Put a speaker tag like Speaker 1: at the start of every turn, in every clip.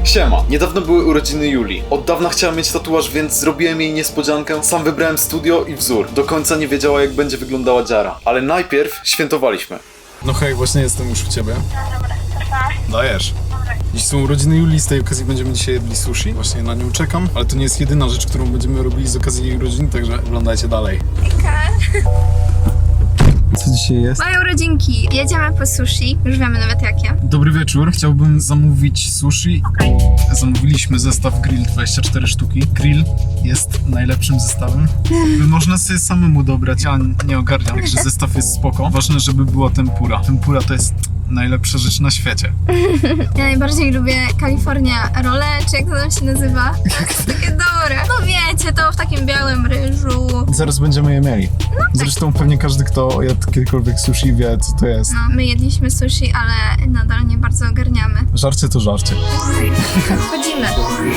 Speaker 1: Siema, niedawno były urodziny Julii. Od dawna chciała mieć tatuaż, więc zrobiłem jej niespodziankę. Sam wybrałem studio i wzór. Do końca nie wiedziała, jak będzie wyglądała dziara. Ale najpierw świętowaliśmy.
Speaker 2: No hej, właśnie jestem już u ciebie.
Speaker 3: No dobra, pa.
Speaker 2: Dajesz. Dziś są urodziny Julii, z tej okazji będziemy dzisiaj jedli sushi. Właśnie na nią czekam, ale to nie jest jedyna rzecz, którą będziemy robili z okazji jej urodzin, także oglądajcie dalej. Co dzisiaj jest?
Speaker 3: Moje urodzinki. Jedziemy po sushi. Już wiemy nawet jakie.
Speaker 2: Dobry wieczór, chciałbym zamówić sushi. Zamówiliśmy zestaw grill 24 sztuki. Grill jest najlepszym zestawem. Można sobie samemu dobrać, ja nie ogarniam, także zestaw jest spoko. Ważne, żeby była tempura. Tempura to jest najlepsza rzecz na świecie.
Speaker 3: Ja najbardziej lubię California Rolle, czy jak to tam się nazywa? To jest takie dobre. No wiecie, to w takim białym ryżu.
Speaker 2: Zaraz będziemy je mieli. Zresztą pewnie każdy, kto jadł kiedykolwiek sushi, wie, co to jest.
Speaker 3: No, my jedliśmy sushi, ale nadal nie bardzo ogarniamy.
Speaker 2: Żarcie to żarcie.
Speaker 3: Wchodzimy.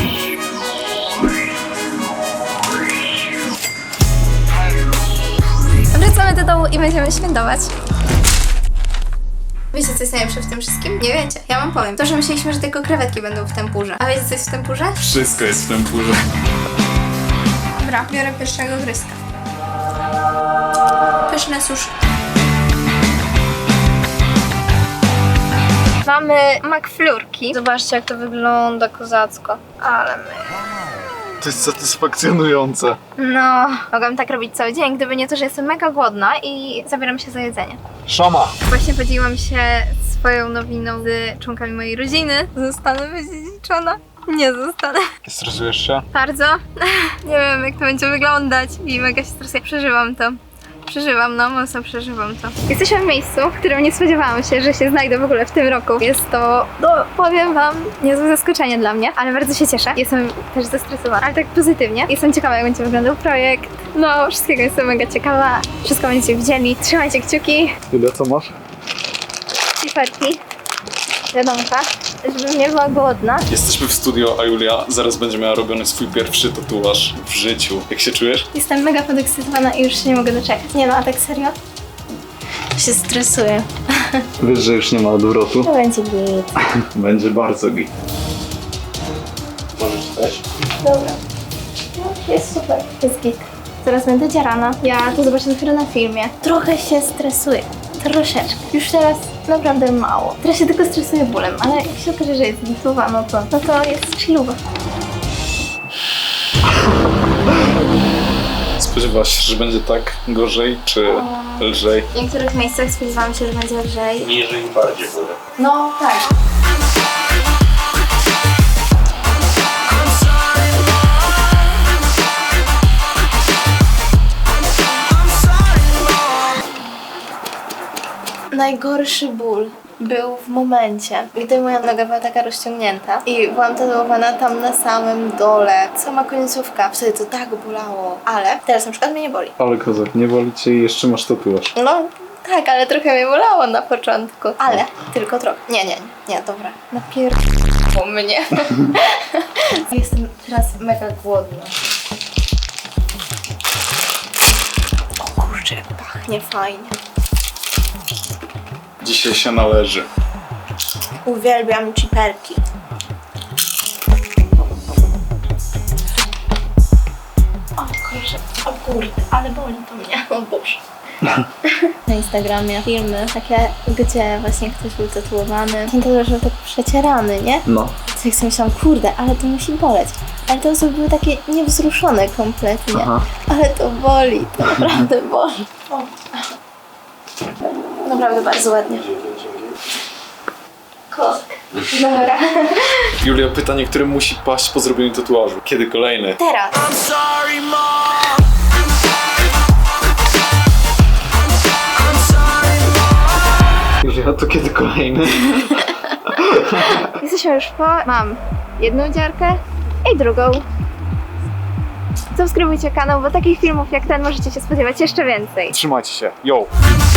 Speaker 3: Wracamy do domu i będziemy świętować. Wiecie, co jest najlepsze w tym wszystkim? Nie wiecie, ja wam powiem. To, że myśleliśmy, że tylko krewetki będą w tempurze. A wiecie, co jest w tempurze?
Speaker 1: Wszystko jest w tempurze.
Speaker 3: Dobra, biorę pierwszego gryzka. Pyszne sushi. Mamy McFlurki. Zobaczcie, jak to wygląda kozacko. Ale my...
Speaker 2: To jest satysfakcjonujące.
Speaker 3: No, mogłam tak robić cały dzień, gdyby nie to, że jestem mega głodna i zabieram się za jedzenie.
Speaker 2: Szama!
Speaker 3: Właśnie podzieliłam się swoją nowiną z członkami mojej rodziny. Zostanę wydziedziczona? Nie zostanę.
Speaker 2: Stresujesz się?
Speaker 3: Bardzo. Nie wiem, jak to będzie wyglądać i mega się stresuję. Przeżywam to. No mocno przeżywam to. Jesteśmy w miejscu, w którym nie spodziewałam się, że się znajdę w ogóle w tym roku. Jest to, no powiem wam, niezłe zaskoczenie dla mnie, ale bardzo się cieszę. Jestem też zestresowana, ale tak pozytywnie. Jestem ciekawa, jak będzie wyglądał projekt. No, wszystkiego jestem mega ciekawa. Wszystko będziecie widzieli. Trzymajcie kciuki.
Speaker 2: Ile co masz?
Speaker 3: Ciferki. Wiadomka, żebym nie była głodna.
Speaker 1: Jesteśmy w studio, a Julia zaraz będzie miała robiony swój pierwszy tatuaż w życiu. Jak się czujesz?
Speaker 3: Jestem mega podekscytowana i już się nie mogę doczekać. Nie no, a tak serio? Się stresuję.
Speaker 1: Wiesz, że już nie ma odwrotu?
Speaker 3: To będzie git.
Speaker 1: Będzie bardzo git. Możesz też?
Speaker 3: Dobra. No, jest super. Jest git. Zaraz będę dziarana. Ja to zobaczę dopiero na filmie. Trochę się stresuję. Troszeczkę. Już teraz naprawdę mało. Teraz się tylko stresuję bólem, ale jak się okaże, że jest gitowa, no to jest chillowa.
Speaker 1: Spodziewałaś się, że będzie tak gorzej, czy lżej?
Speaker 3: W niektórych miejscach spodziewałam się, że będzie lżej.
Speaker 1: Niżej i bardziej górę.
Speaker 3: No tak. Najgorszy ból był w momencie, gdy moja noga była taka rozciągnięta i byłam tatuowana tam na samym dole. Sama końcówka. Wtedy to tak bolało. Ale teraz na przykład mnie nie boli.
Speaker 1: Ale kozak, nie boli cię i jeszcze masz tatuaż.
Speaker 3: No tak, ale trochę mnie bolało na początku. Ale tylko trochę. Nie, dobra. Napierdolą mnie. Jestem teraz mega głodna. O kurczę, pachnie fajnie.
Speaker 1: Dzisiaj się należy.
Speaker 3: Uwielbiam chiperki. O kurczę, o kurde, ale boli to mnie. O Boże. Na Instagramie filmy takie, gdzie właśnie ktoś był tatuowany. Ten tatuaż był tak przecierany, nie?
Speaker 1: No.
Speaker 3: Tak sobie myślałam, kurde, ale to musi boleć. Ale te osoby były takie niewzruszone kompletnie.
Speaker 1: Aha.
Speaker 3: Ale to boli, to naprawdę boli. O. Naprawdę bardzo ładnie. Kosk. Dobra.
Speaker 1: Julia, pytanie, które musi paść po zrobieniu tatuażu. Kiedy kolejny?
Speaker 3: Teraz.
Speaker 1: Julia, to kiedy kolejny?
Speaker 3: Jesteśmy już po... Mam jedną dziarkę i drugą. Subskrybujcie kanał, bo takich filmów jak ten możecie się spodziewać jeszcze więcej.
Speaker 1: Trzymajcie się. Yo!